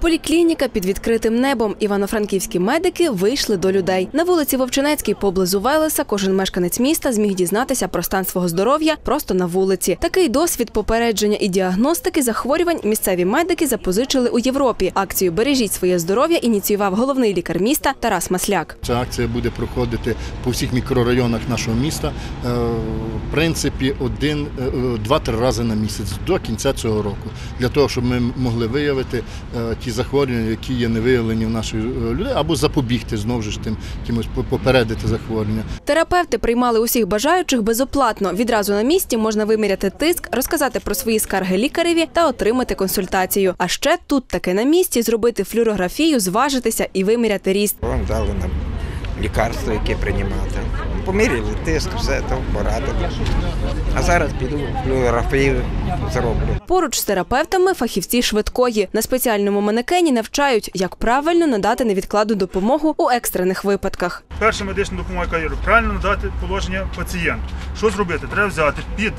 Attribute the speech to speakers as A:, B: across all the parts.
A: Поліклініка під відкритим небом. Івано-франківські медики вийшли до людей. На вулиці Вовчинецькій поблизу Велеса кожен мешканець міста зміг дізнатися про стан свого здоров'я просто на вулиці. Такий досвід попередження і діагностики захворювань місцеві медики запозичили у Європі. Акцію «Бережіть своє здоров'я» ініціював головний лікар міста Тарас Масляк.
B: Ця акція буде проходити по всіх мікрорайонах нашого міста, в принципі, 2-3 рази на місяць до кінця цього року. Для того, щоб ми могли виявити ті захворювання, які є не виявлені в наших людей, або запобігти, знову ж тим, кимось попередити захворювання.
A: Терапевти приймали усіх бажаючих безоплатно. Відразу на місці можна виміряти тиск, розказати про свої скарги лікареві та отримати консультацію. А ще тут таки на місці зробити флюорографію, зважитися і виміряти ріст.
C: Вам дали нам лікарство, яке приймати. Поміряли тиск, все, то порадили. А зараз піду флюорографію зроблю.
A: Поруч з терапевтами фахівці швидкої. На спеціальному манекені навчають, як правильно надати невідкладну допомогу у екстрених випадках.
D: Перша медична допомога, яка є, правильно надати положення пацієнту. Що зробити? Треба взяти під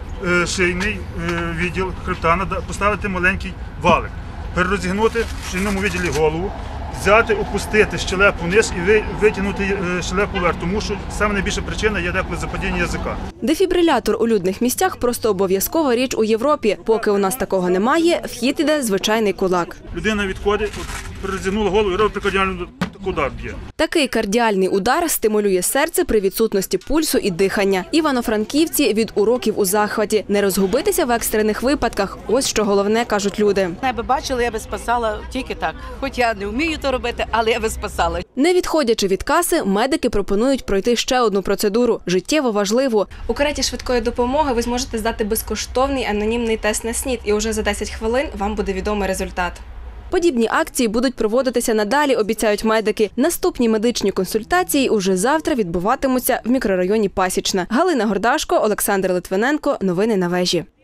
D: шийний відділ хребта, поставити маленький валик, перерозігнути в шийному відділі голову, взяти, опустити щелепу вниз і витягнути щелепу вверх, тому що саме найбільша причина є деколи западіння язика.
A: Дефібрилятор у людних місцях просто обов'язкова річ у Європі. Поки у нас такого немає, вхід іде звичайний кулак.
D: Людина відходить, перерозігнула голову і робить кардіальний удар б'є.
A: Такий кардіальний удар стимулює серце при відсутності пульсу і дихання. Івано-франківці від уроків у захваті. Не розгубитися в екстрених випадках – ось що головне, кажуть люди.
E: Я би бачила, я би спасала тільки так. Хоч я не вмію то робити, але я би спасала.
A: Не відходячи від каси, медики пропонують пройти ще одну процедуру – життєво важливу.
F: У кареті швидкої допомоги ви зможете здати безкоштовний анонімний тест на СНІД, і вже за 10 хвилин вам буде відомий результат.
A: Подібні акції будуть проводитися надалі, обіцяють медики. Наступні медичні консультації уже завтра відбуватимуться в мікрорайоні Пасічна. Галина Гордашко, Олександр Литвиненко. Новини на вежі.